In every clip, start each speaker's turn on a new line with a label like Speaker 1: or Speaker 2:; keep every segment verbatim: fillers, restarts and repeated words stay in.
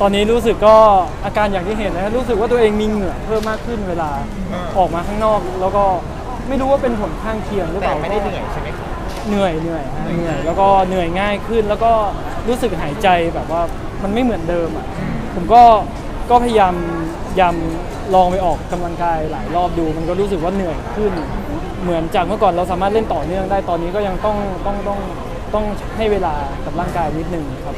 Speaker 1: ตอนนี้รู้สึกก็อาการอย่างที่เห็นนะรู้สึกว่าตัวเองมีเหงื่อเพิ่มมากขึ้นเวลาออกมาข้างนอกแล้วก็ไม่รู้ว่าเป็นผลข้างเคียงหรือเป
Speaker 2: แต่
Speaker 1: ล่า
Speaker 2: ไม่ได้เหนื่อยใช่ไหมครับ
Speaker 1: เหนื่อยเหนื่อยฮะเหนื่อยแล้วก็เหนื่อยง่ายขึ้น แล้วก็รู้สึกหายใจแบบว่ามันไม่เหมือนเดิมอ่ะผมก็ก็พยายามยามลองไปออกกำลังกายหลายรอบดู มันก็รู้สึกว่าเหนื่อยขึ้น เหมือนจากเมื่อก่อนเราสามารถเล่นต่อเนื่องได้ตอนนี้ก็ยังต้องต้องต้องต้องให้เวลากับร่างกายนิดนึงครับ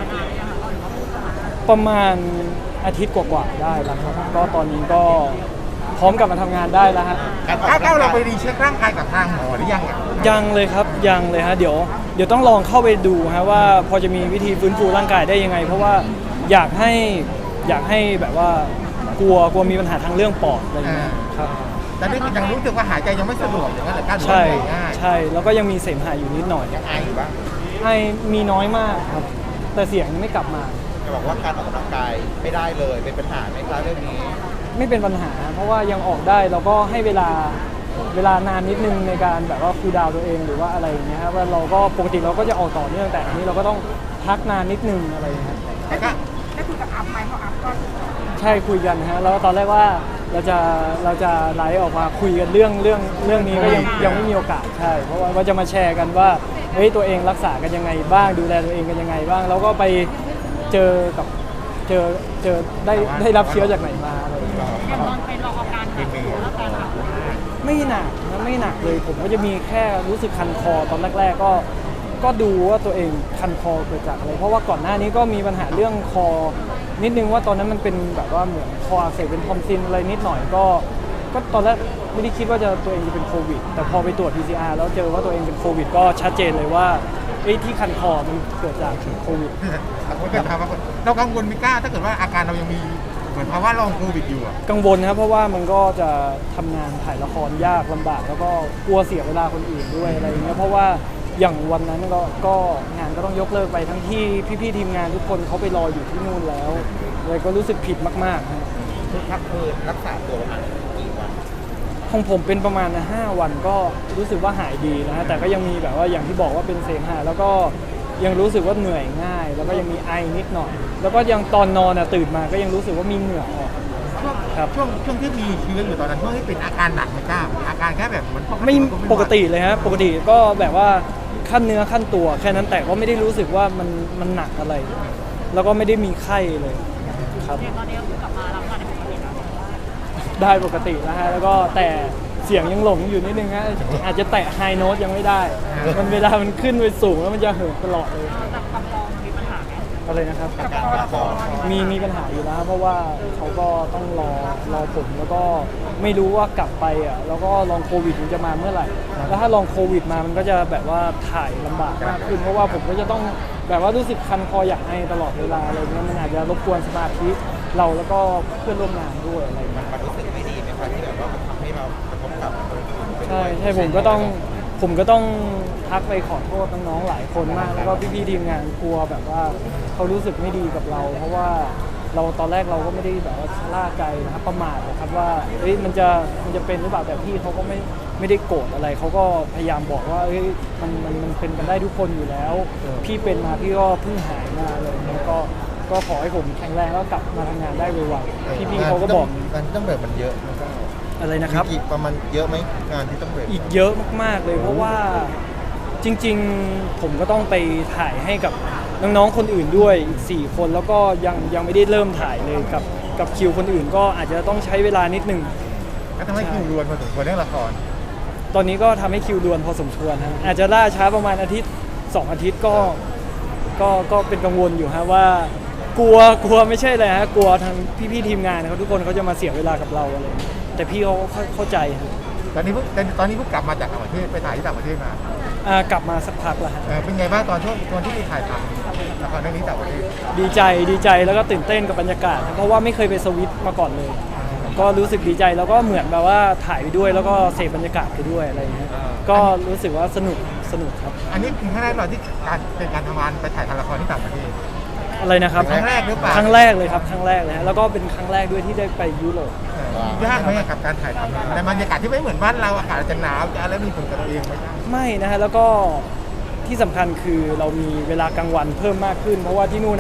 Speaker 1: ประมาณอาทิตย์กว่าๆได้แล้วครับก็ตอนนี้ก็พร้อมกลับมาทำงานได้แล้วฮะ
Speaker 2: การก้าวเราไปรีเช็คร่างกายกับทางหมอหรือยังอ่ะ
Speaker 1: ยังเลยครับยังเลยฮะเดี๋ยวเดี๋ยวต้องลองเข้าไปดูฮะว่าพอจะมีวิธีฟื้นฟูร่างกายได้ยังไง เพราะว่าอยากให้อยากให้แบบว่ากลัวกลัวมีปัญหาทางเรื่องปอดอะไรอย่างเงี้ยครับ
Speaker 2: แต่นี่ยังรู้สึกว่าหายใจยังไม่สะดวกอย่างนั้นแหละการ
Speaker 1: ใช่
Speaker 2: เหนื่อยง่าย
Speaker 1: ใช่แล้วก็ยังมีเสมหะอยู่นิดหน่อย
Speaker 2: ยังไออยู่บ้าง
Speaker 1: ไอมีน้อยมากครับ แต่เสียงไม่กลับมา
Speaker 2: จะบอกว่าการออกกำลังกายไม่ได้เลยเป็นปัญหาไหมครับเรื่องนี้
Speaker 1: ไม่เป็นปัญหา เพราะว่ายังออกได้เราก็ให้เวลาเวลานานนิดนึงในการแบบว่าคูลดาวน์ตัวเองหรือว่าอะไรอย่างเงี้ยครับว่าเราก็ปกติเราก็จะออกต่อเนื่องแต่อันนี้เราก็ต้องพักนานนิดนึงอะไรอย่างเงี้ย
Speaker 2: แต่ก็
Speaker 3: ได้คุยกับอัพไหมเพราะอัพก็
Speaker 1: ใช่คุยกันฮะแล้วตอนแรกว่าเราจะเราจะไลฟ์ออกมาคุยกันเรื่องเรื่องเรื่องนี้ก็ยังยังไม่มีโอกาสใช่เพราะว่าว่าจะมาแชร์กันว่าเฮ้ยตัวเองรักษากันยังไงบ้างดูแลตัวเองกันยังไงบ้างแล้วก็ไปเจอกับเจอเจอได้ได้รับเชื้อจากไหนมาอะไรอย่างเงี้ย
Speaker 3: ยังตอนไปรออาการหนักอยู่แล้วการอัพ
Speaker 1: ไม่หนักนะไม่หนักเลยผมก็จะมีแค่รู้สึกคันคอตอนแรก ๆ ก็ก็ดูว่าตัวเองคันคอเกิดจากอะไรเพราะว่าก่อนหน้านี้ก็มีปัญหาเรื่องคอนิดนึงว่าตอนนั้นมันเป็นแบบว่าเหมือนคออักเสบเป็นทอมซินอะไรนิดหน่อยก็ก็ตอนแรกไม่ได้คิดว่าจะตัวเองจะเป็นโควิดแต่พอไปตรวจ พี ซี อาร์ แล้วเจอว่าตัวเองเป็นโควิดก็ชัดเจนเลยว่าไอ้ที่คันคอมันเกิดจากโควิด
Speaker 2: คนเกิดภาวะเรากังวลไม่กล้าถ้าเกิดว่าอาการเรายังมีเหมือนภาวะลองโควิดอยู่อ่ะ
Speaker 1: กังวลครับเพราะว่ามันก็จะทำงานถ่ายละครยากลำบากแล้วก็กลัวเสียเวลาคนอื่นด้วยอะไรอย่างเงี้ยเพราะว่าอย่างวันนั้นก็ก็งานก็ต้องยกเลิกไปทั้งที่พี่ๆทีมงานทุกคนเขาไปรออยู่ที่นู่นแล้วเลยก็รู้สึกผิดมากๆครับ
Speaker 2: คือพักคือรักษาตัวประมาณกี่วัน
Speaker 1: ของผมเป็นประมาณห้าวันก็รู้สึกว่าหายดีนะแต่ก็ยังมีแบบว่าอย่างที่บอกว่าเป็นเสมหะแล้วก็ยังรู้สึกว่าเหนื่อยง่าย แล้วก็ยังมีไอนิดหน่อย แล้วก็ยังตอนนอนอ่ะตื่นมาก็ยังรู้สึกว่ามีเหงื่อออก
Speaker 2: ช่วง
Speaker 1: ครับ
Speaker 2: ช่วงช่วงที่มีเชื้ออยู่ตอนนั้นช่วงที่เป็นอาการหนักไม่กล้าอาการแค่แบบเหมือน
Speaker 1: ไม่ปกติเลยฮะปกติก็แบบว่าขั้นเนื้อขั้นตัวแค่นั้นแต่ก็ไม่ได้รู้สึกว่ามันมันหนักอะไร แล้วก็ไม่ได้มีไข้เลยครับ
Speaker 3: เนี่ยตอนนี้ก็คือกลับมารับงานในปกติแล้ว
Speaker 1: ได้ปกติแล้วฮะแล้วก็แต่เสียงยังหลงอยู่นิดนึงฮะอาจจะแตะไฮโน้ตยังไม่ได้ มันเวลามันขึ้นไปสูงแล้วมันจะเหินตลอดเลย
Speaker 3: แต่กำลองมีปัญหาไหม
Speaker 1: อะไรนะครับ
Speaker 3: กับคอละคร
Speaker 1: มีมีปัญหาอยู่แล้วเพราะว่าเขาก็ต้องรอรอผลแล้วก็ไม่รู้ว่ากลับไปอ่ะแล้วก็ลองโควิดมันจะมาเมื่อไหร่แล้วถ้าลองโควิดมามันก็จะแบบว่าถ่ายลำบากมากขึ้นเพราะว่าผมก็จะต้องแบบว่ารู้สึกคันคออยากไอตลอดเวลาอะไรเงี้ยมันอาจจะรบกวนสมาธิเราแล้วก็เพื่อนร่วมงานด้วยอะไรเงี้ย
Speaker 2: มันรู้สึกไม่ดีไหมครับที่แบบว่ามันทำให้เรากระทบกับคนอื่นไปด้วย
Speaker 1: ใช่ใช่ผมก็ต้องผมก็ต้องทักไปขอโทษน้องๆหลายคนมากแล้วก็พี่ๆทีมงานกลัวแบบว่าเขารู้สึกไม่ดีกับเรา เพราะว่าเราตอนแรกเราก็ไม่ได้แบบว่าชะล่าใจนะครับประมาทนะครับว่าเอ้ยมันจะมันจะเป็นหรือเปล่าแต่พี่เขาก็ไม่ไม่ได้โกรธอะไรเขาก็พยายามบอกว่าเอ้ยมันมันมันเป็นกันได้ทุกคนอยู่แล้ว พี่เป็นมาพี่ก็เพิ่งหายมาเลยแล้วก็ก็ขอให้ผมแข็งแรงแล้วกลับมาทำงานได้ไวๆพี่ๆเขาก็บอก
Speaker 4: งานที่ต้องเบรกมันเยอะนะ
Speaker 1: อะไรนะครับ
Speaker 4: มีกี่ประมาณเยอะไหมงานที่ต้องเบรก
Speaker 1: อีกเยอะมากๆเลยเพราะว่าจริงๆผมก็ต้องไปถ่ายให้กับน้องๆคนอื่นด้วยอีกสี่คนแล้วก็ยังยังไม่ได้เริ่มถ่ายเลยกับกับคิวคนอื่นก็อาจจะต้องใช้เวลานิดนึง
Speaker 2: ก็ทำให้คิวรวนพอสมควรเรื่องละคร
Speaker 1: ตอนนี้ก็ทำให้คิวด่วนพอสมควรฮะอาจจะล่าช้าประมาณอาทิตย์สองอาทิตย์ก็ก็ก็เป็นกังวลอยู่ฮะว่ากลัวกลัวไม่ใช่เลยฮะกลัวทางพี่ๆทีมงานเขาทุกคนเขาจะมาเสียเวลากับเราอะไรแต่พี่เขาเข้าเข้าใจฮะ
Speaker 2: ตอนนี้เพิ่งตอนนี้เพิ่งกลับมาจากต่างประเทศไปถ่ายที่ต่างประเทศมา
Speaker 1: อ่ากลับมาสักพักแล้วฮะ
Speaker 2: เออเป็นไงบ้างตอนช่วงตอนที่ไปถ่ายทำละครเรื่องนี้ต่างประเทศ
Speaker 1: ดีใจดีใจแล้วก็ตื่นเต้นกับบรรยากาศครับเพราะว่าไม่เคยไปสวิตมาก่อนเลย ก็รู้สึกดีใจแล้วก็เหมือนแบบว่าถ่ายไปด้วยแล้วก็เสพบรรยากาศไปด้วยอะไรอย่างเงี้ยก็รู้สึกว่าสนุกสนุกครับ
Speaker 2: อันนี้เป็นครั้งแรกเราที่การเป็นการทำงานไปถ่ายทำละครที่ต่างประเทศ
Speaker 1: อะไรนะครับ
Speaker 2: ครั้งแรกหรือเปล่า
Speaker 1: ครั้งแรกเลยครับครั้งแรกเลยฮะแล้วก็เป็นครั้งแรกด้วยที่ได้ไปยุโรป
Speaker 2: ยากไหมกับการถ่ายทำในบรรยากาศที่ไม่เหมือนบ้านเราอากาศจะหนาวจะอะไรมีผลกับตัวเองไหมครับ
Speaker 1: ไม่นะฮะแล้วก็ที่สำคัญคือเรามีเวลากลางวันเพิ่มมากขึ้น เพราะว่าที่นู่นอ่ะ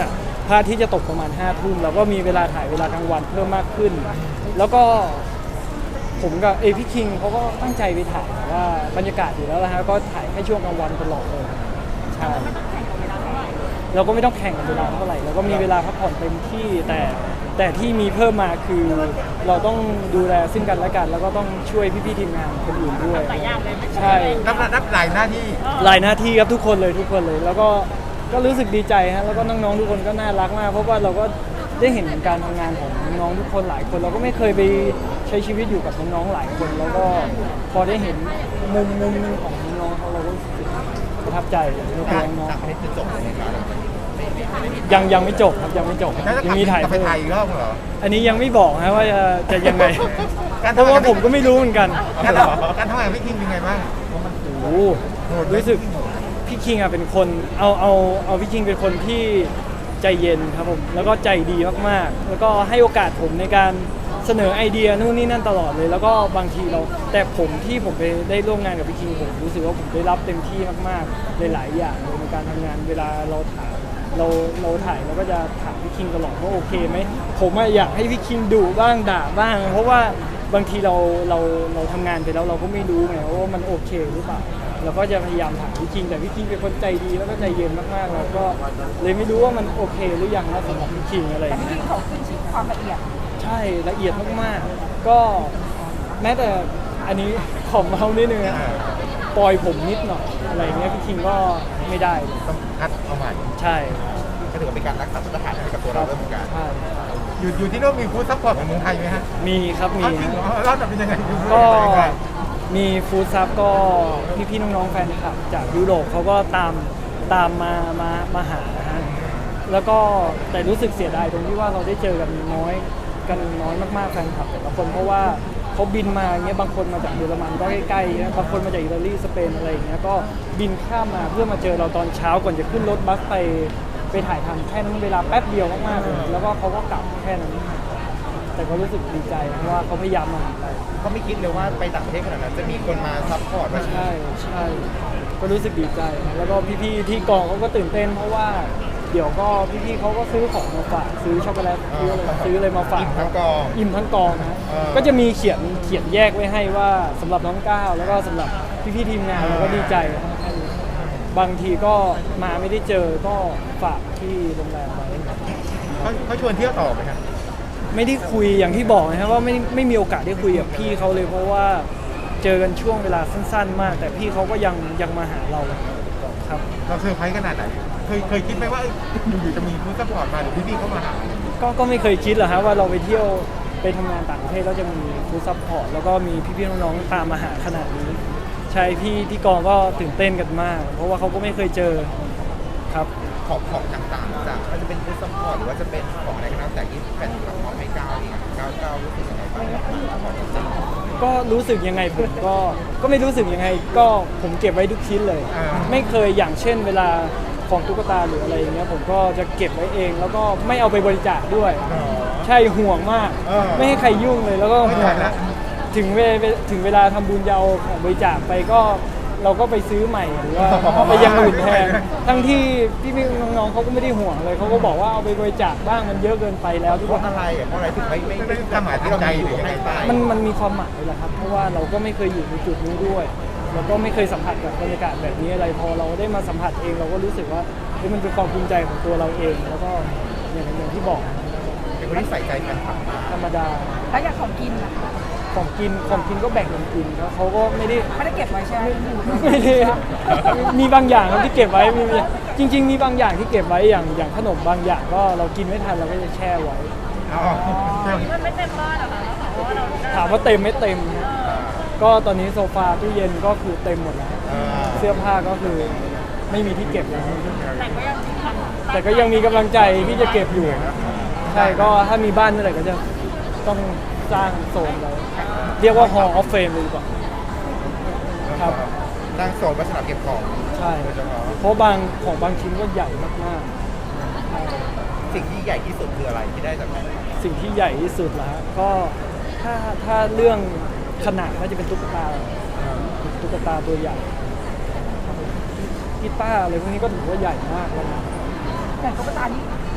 Speaker 1: พระอาทิตย์จะตกประมาณห้าทุ่มเราก็มีเวลาถ่ายเวลากลางวันเพิ่มมากขึ้น แล้วก็ผมกับเอยพี่คิงเขาก็ตั้งใจไปถ่ายว่าบรรยากาศอยู่แล้วนะฮะก็ถ่ายแค่ช่วงกลางวันตลอดเลยใช่เราก็ไม่ต้องแข่งกันเวลาเท่าไหร่เราก็มีเวลาพักผ่อนเต็มที่แต่แต่ที่มีเพิ่มมาคือเราต้องดูแลซึ่งกันและกัน แล้วก็ต้องช่วยพี่ๆทีมงานคนอื่นด้วยใช่
Speaker 2: รับรับหลายหน้าที่
Speaker 1: หลายหน้าที่ครับทุกคนเลยทุกคนเลย แล้วก็ก็รู้สึกดีใจฮะแล้วก็น้องๆทุกคนก็น่ารักมากเพราะว่าเราก็ได้เห็นการทำงานของน้องๆทุกคนหลายคน เราก็ไม่เคยไปใช้ชีวิตอยู่กับน้องๆหลายคน แล้วก็พอได้เห็นมุมมุมหนึงของน้องๆเขาเราก็รู้สึกประทับใจในตัวน้อง
Speaker 4: ต่างประเทศจะจบเลยไหมครับ
Speaker 1: ๆยังยังไม่จบครับยังไม่จบ
Speaker 2: แล้วจะ
Speaker 1: ยังมีถ่าย
Speaker 2: กลับไป
Speaker 1: เพิ่ม
Speaker 2: ถ่ายอีกรอบเหรอ
Speaker 1: อันนี้ยังไม่บอกนะว่าจะจะยังไง
Speaker 2: การ
Speaker 1: เพราะว่าผมก็ไม่รู้เหมือนกัน
Speaker 2: การทำการทำงานกับพี่คิงเป็นไงบ้าง
Speaker 1: โอ้โหรู้สึกพี่คิงอ่ะเป็นคนเอาเอาเอาพี่คิงเป็นคนที่ใจเย็นครับผมแล้วก็ใจดีมากๆ แล้วก็ให้โอกาสผมในการเสนอไอเดียนู่นนี่นั่นตลอดเลย แล้วก็บางทีเราแต่ผมที่ผมไปได้ร่วมงานกับพี่คิงผมรู้สึกว่าผมได้รับเต็มที่มากๆในหลายอย่างเลยในการทำงานเวลาเราถ่ายเราเราถ่ายเราก็จะถามพี่คิงตลอดว่าโอเคไหมผมอะอยากให้พี่คิงดุบ้างด่าบ้าง เพราะว่าบางทีเราเราเราทำงานไปแล้วเราก็ไม่รู้ไงว่ามันโอเคหรือเปล่าเราก็จะพยายามถามพี่คิงแต่พี่คิงเป็นคนใจดีแล้วก็ใจเย็นมากๆเราก็เลยไม่รู้ว่ามันโอเคหรือยังนะสำหรับพี่คิงอะไรอย่าง
Speaker 3: ที่
Speaker 1: เงี้ย
Speaker 3: เขาขึ้นชื่อความละเอียด
Speaker 1: ใช่ละเอียดมากๆก็แม้แต่อันนี้ของเรานิดนึงนะปล่อยผมนิดหน่อยอะไรอย่างเงี้ยพี่คิงก็ไม่ได้เลย
Speaker 2: ต้องคัดเอาใหม่
Speaker 1: ใช่
Speaker 4: ก็ถือว่าเป็นการรักษามาตรฐานให้กับตัวเราด้วยเหมือนกัน
Speaker 1: ใช่
Speaker 2: อยู่อยู่ที่โน่นมีฟู้ดซัพพอร์ตของเมืองไทยไหมฮะ
Speaker 1: มีครับมี
Speaker 2: อ้าวจริงเหรอเล่าหน่อยเป็นยังไงดูฟู้ด
Speaker 1: ก็
Speaker 2: เป็นยังไง
Speaker 1: มีฟู้ดซับก็พี่ๆน้องๆแฟนคลับจากยุโรปเขาก็ตามตามมามามาหานะฮะแล้วก็แต่รู้สึกเสียดายตรงที่ว่าเราได้เจอกันน้อยกันน้อยมากๆแฟนคลับแต่ละคนเพราะว่าเขาบินมาเงี้ยบางคนมาจากเยอรมันก็ใกล้ๆนะบางคนมาจากอิตาลีสเปนอะไรอย่างเงี้ยก็บินข้ามมาเพื่อมาเจอเราตอนเช้าก่อนจะขึ้นรถบัสไปไปถ่ายทำแค่นั้นเวลาแป๊บเดียวมากๆเลยแล้วก็เขาก็กลับแค่นั้นแต่ก็รู้สึกดีใจเพราะว่าเขาพยายามมาหาเรา
Speaker 4: ก็ไม่คิดเลยว่าไปต่างประเทศขนาดนั้นจะมีคนมาซัพพอร์ตมาเชีย
Speaker 1: ใช่
Speaker 4: ร์
Speaker 1: ใช่ก็รู้สึกดีใจนะแล้วก็พี่ๆที่กองเขาก็ตื่นเต้นเพราะว่าเดี๋ยวก็พี่ๆเขาก็ซื้อของมาฝากซื้อช็อกโกแลตซื้ออะไรซื้ออะไรมาฝาก
Speaker 4: อิ่มทั้งกอง
Speaker 1: อิ่มทั้งกองนะ
Speaker 4: เออ
Speaker 1: ก็จะมีเขียนเขียนแยกไว้ให้ว่าสำหรับน้องก้าวแล้วก็สำหรับพี่ๆทีมงานเราก็ดีใจนะบางทีก็มาไม่ได้เจอก็ฝากที่โรงแรมไว้
Speaker 2: เขาเขาชวนเที่ยวต่อไหมครับ
Speaker 1: ไม่ได้คุยอย่างที่บอกนะครับว่าไม่ไม่มีโอกาสได้คุยกับพี่เขาเลยเพราะว่าเจอกันช่วงเวลาสั้นๆ มาก แต่พี่เขาก็ยังยังมาหาเราครับ
Speaker 2: เราเซอร์ไพรส์ขนาดไหนเคยเคยคิดไหมว่าเอ้ยอยู่ๆจะมีฟู้ดซัพพอร์ตมาหรือพี่ๆเขามาหา
Speaker 1: ก็ก็ไม่เคยคิดหรอกครับว่าเราไปเที่ยวไปทำงานต่างประเทศแล้วจะมีฟู้ดซัพพอร์ตแล้วก็มีพี่ๆน้องๆตามมาหาขนาดนี้ใช่พี่ที่กองก็ตื่นเต้นกันมาก เพราะว่าเขาก็ไม่เคยเจอครับ
Speaker 4: ของของต่างๆจากก็จะเป็นฟู้ดซัพพอร์ตหรือว่าจะเป็นของอะไรก็แล้วแต่ที่แฟนคลับมอบให้ก้าวเองก้าวก้าวรู้สึกยังไงบ้างกับการซัพพอร์ตจริง
Speaker 1: ก็รู้สึกยังไงผมก็ก็ไม่รู้สึกยังไงก็ผมเก็บไว้ทุกชิ้นเลย
Speaker 2: อ่า
Speaker 1: ไม่เคยอย่างเช่นเวลาของตุ๊กตาหรืออะไรอย่างเงี้ยผมก็จะเก็บไว้เอง แล้วก็ไม่เอาไปบริจาคด้วย
Speaker 2: อ๋อ
Speaker 1: ใช่ห่วงมาก
Speaker 2: เออ
Speaker 1: ไม่ให้ใครยุ่งเลยแล้วก็
Speaker 2: ไม่
Speaker 1: ห่ว
Speaker 2: ทั
Speaker 1: ง
Speaker 2: นละ
Speaker 1: ถึงเวถึงเวลาทำบุญจะเอาของบริจาคไปก็เราก็ไปซื้อใหม่หรือว่าไปอยังอื่นแทนทั้งที่พี่ๆน้องๆเขาก็ไม่ได้ห่วงเลยเขาก็บอกว่าเอาไปบริจาคบ้างมันเยอะเกินไปแล้วทุก
Speaker 4: เพ
Speaker 1: ค
Speaker 4: ราะ
Speaker 1: น
Speaker 4: อะไรอ่ะเพราะอะไรถึงไม่ไม่
Speaker 2: ไม่ได้ความหมายทางใจหรือยังไง
Speaker 4: ไป
Speaker 1: มันมันมีความหมายแหละครับ เพราะว่าเราก็ไม่เคยอยู่ในจุดนี้ด้วย แล้วก็ไม่เคยสัมผัสกับบรรยากาศแบบนี้อะไร พอเราได้มาสัมผัสเองเราก็รู้สึกว่าเฮ้ยมันเป็นความภูมิใจของตัวเราเอง แล้วก็อย่างอย่างที่บอก
Speaker 4: เป็นคนที่ใส่ใจแฟนคลับมาก
Speaker 1: ธรรมดา
Speaker 3: แล้วอย่างของกินล่ะ
Speaker 1: ของกินของกินก็แบ่งกันกินครับเขาก็ไม่ได้
Speaker 3: ไม่ได้เก็บไว้ใช่ไหม
Speaker 1: ไม่ได้มีบางอย่างครับที่เก็บไว้มีจริง ๆ มีบางอย่างที่เก็บไว้อย่างอย่างขนมบางอย่างก็เรากินไม่ทันเราก็จะแช่ไว้
Speaker 2: อ๋อ
Speaker 3: มันไม่เต็มบ้านหรอคะเพราะว่าเรา
Speaker 1: ถามว่าเต็มไม่เต็มนะก็ตอนนี้โซฟาตู้เย็นก็คือเต็มหมดแล้ว
Speaker 2: อ่า
Speaker 1: เสื้อผ้าก็คือไม่มีที่เก็บแล้ว
Speaker 3: แต่ก็ยังทำ
Speaker 1: แต่ก็ยังมีกำลังใจที่จะเก็บอยู่ ใช่ก็ถ้ามีบ้านเมื่อไหร่ก็จะต้องสร้างโซนไว้เรียกว่า Hall of Fame เลยดีกว่า ครับ
Speaker 4: ตั้งโซนไว้สำหรับเก็บของ
Speaker 1: ใช่
Speaker 4: โดยเฉพาะ
Speaker 1: เพราะบางของบางชิ้นก็ใหญ่มาก
Speaker 4: สิ่งที่ใหญ่ที่สุดคืออะไรที่ได้จากแฟนคลับ
Speaker 1: ๆ สิ่งที่ใหญ่ที่สุดแล้วก็ถ้าถ้าเรื่องขนาดก็จะเป็นตุ๊กตาตุ๊กตาตัวใหญ่กีตาร์อะไรพวกนี้ก็ถือว่าใหญ่มากแล้วนะ
Speaker 3: แต่ตุ๊กตานี่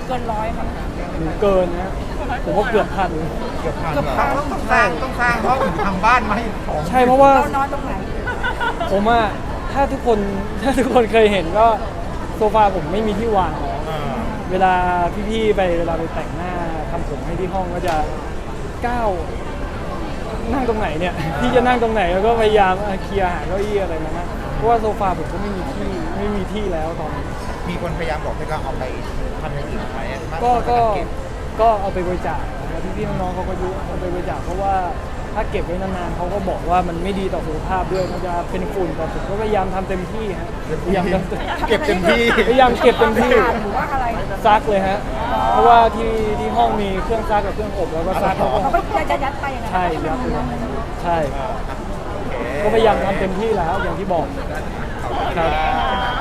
Speaker 3: เกินร้อยมั้ง
Speaker 1: หรือเกินนะผมว่าเกือบพัน
Speaker 4: เกือบพัน
Speaker 3: เกือบ
Speaker 4: เหรอ
Speaker 3: พัน
Speaker 2: ต้องสร้างต้องสร้างห้องหรือทำบ้านมาให้ของ
Speaker 1: ใช่เพราะว่า
Speaker 3: เรานอนตรงไหน
Speaker 1: ผมอะถ้าทุกคนถ้าทุกคนเคยเห็นก็โซฟาผมไม่มีที่วางแล้ว
Speaker 4: อ่า
Speaker 1: เวลาพี่ๆไปเวลาไปแต่งหน้าทำผมให้ที่ห้องก็จะก้าวนั่งตรงไหนเนี่ย พี่จะนั่งตรงไหนแล้วก็พยายามเอ่อเคลียร์หาเก้าอี้อะไรมานะเพราะว่าโซฟาผมก็ไม่มีที่ไม่มีที่แล้วตอนนี้
Speaker 4: มีคนพยายามบอกให้เราเอาไปทำอย่างอื่นไหม
Speaker 1: ก็ก็
Speaker 4: เก็บ
Speaker 1: ก็เอาไปบริจาคนะครับพี่ๆน้องๆเขาก็ยุเอาไปบริจาคเพราะว่าถ้าเก็บไว้นานๆเขาก็บอกว่ามันไม่ดีต่อสุขภาพด้วยมันจะเป็นฝุ่นแต่ผมก็พยายามทำเต็มที่ฮะพยายามทำเต็ม
Speaker 4: เก็บเต็มที่
Speaker 1: พยายามเก็บเต็มที่
Speaker 3: หรือว่าอะไร
Speaker 1: ซักเลยฮะ เพราะว่าที่ที่ห้องมีเครื่องซักกับเครื่องอบแล้วก็ซักแล้วก็
Speaker 3: เขาก็จะยัดไปอย่างนั้น
Speaker 1: ใช่ยัดเลยใช่
Speaker 4: โอเค
Speaker 1: ก็พยายามทำเต็มที่แล้วอย่างที่บอกครับ